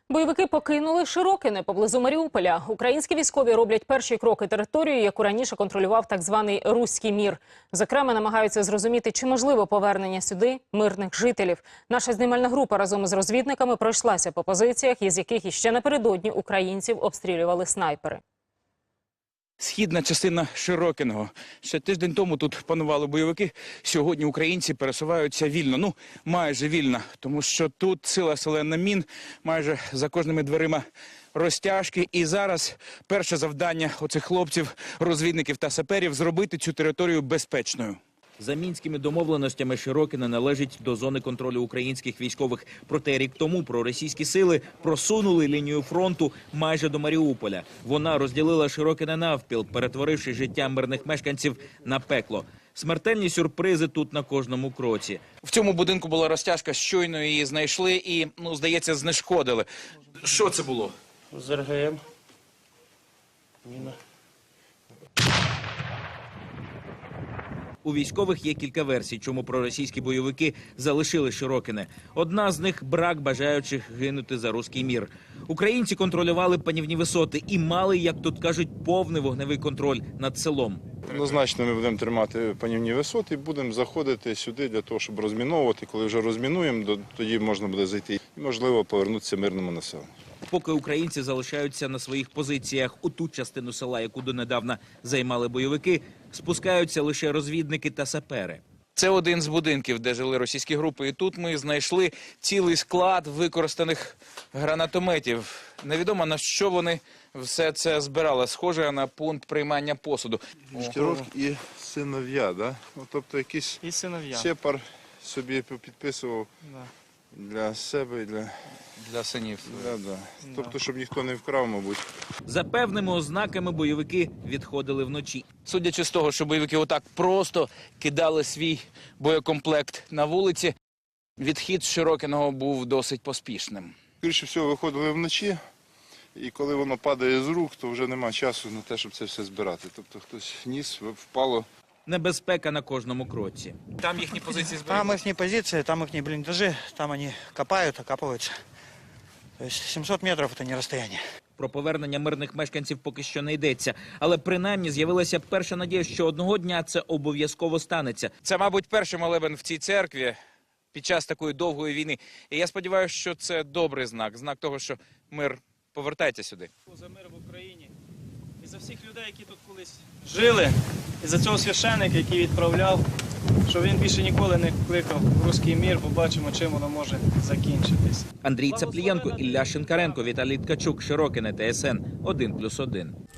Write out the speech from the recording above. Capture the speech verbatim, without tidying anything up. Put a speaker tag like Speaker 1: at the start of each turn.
Speaker 1: Бойовики покинули Широкине поблизу Маріуполя. Українські військові роблять перші кроки територією, яку раніше контролював так званий «Руський мір». Зокрема, намагаються зрозуміти, чи можливо повернення сюди мирних жителів. Наша знімальна група разом із розвідниками пройшлася по позиціях, із яких іще напередодні українців обстрілювали снайпери.
Speaker 2: Східна частина Широкиного. Ще тиждень тому тут панували бойовики. Сьогодні українці пересуваються вільно. Ну, майже вільно. Тому що тут сила селена мін, майже за кожними дверима розтяжки. І зараз перше завдання оцих хлопців, розвідників та саперів – зробити цю територію безпечною.
Speaker 3: За мінськими домовленостями Широкине належить до зони контролю українських військових. Проте рік тому проросійські сили просунули лінію фронту майже до Маріуполя. Вона розділила Широкине навпіл, перетворивши життя мирних мешканців на пекло. Смертельні сюрпризи тут на кожному кроці.
Speaker 2: В цьому будинку була розтяжка, щойно її знайшли і, ну, здається, знешкодили. Що це було?
Speaker 4: З РГМ. Міна.
Speaker 3: У військових є кілька версій, чому проросійські бойовики залишили Широкине. Одна з них – брак бажаючих гинути за руський мір. Українці контролювали панівні висоти і мали, як тут кажуть, повний вогневий контроль над селом.
Speaker 5: Однозначно ми будемо тримати панівні висоти і будемо заходити сюди для того, щоб розміновувати. Коли вже розмінуємо, тоді можна буде зайти і, можливо, повернутися мирному населенню.
Speaker 3: Поки українці залишаються на своїх позиціях у ту частину села, яку донедавна займали бойовики, спускаються лише розвідники та сапери.
Speaker 2: Це один з будинків, де жили російські групи. І тут ми знайшли цілий склад використаних гранатометів. Невідомо, на що вони все це збирали. Схоже на пункт приймання посуду.
Speaker 5: Штировки і синов'я, да? Ну, тобто якийсь
Speaker 4: І синов'я.
Speaker 5: сепар собі підписував
Speaker 4: Да.
Speaker 5: для себе і для...
Speaker 2: Для синів.
Speaker 5: Да, да. Тобто, щоб ніхто не вкрав, мабуть.
Speaker 3: За певними ознаками бойовики відходили вночі.
Speaker 2: Судячи з того, що бойовики отак просто кидали свій боєкомплект на вулиці, відхід з Широкиного був досить поспішним.
Speaker 5: Скоріше всього, виходили вночі, і коли воно падає з рук, то вже нема часу на те, щоб це все збирати. Тобто хтось ніс, впало.
Speaker 3: Небезпека на кожному кроці.
Speaker 2: Там їхні позиції зберігаються?
Speaker 4: Там їхні позиції, там їхні бліндажі, там вони копають, окапуються. Тобто сімсот метрів – це не розстояння.
Speaker 3: Про повернення мирних мешканців поки що не йдеться. Але принаймні з'явилася перша надія, що одного дня це обов'язково станеться.
Speaker 2: Це, мабуть, перший молебен в цій церкві під час такої довгої війни. І я сподіваюся, що це добрий знак. Знак того, що мир повертається сюди.
Speaker 6: За мир в Україні. І за всіх людей, які тут колись жили. І за цього священника, який відправляв, що він більше ніколи не кликав руський мір, бо бачимо, чим воно може закінчитись.
Speaker 3: Андрій Цаплієнко, Ілля Шинкаренко, Віталій Ткачук, Широкине, Т С Н один плюс один.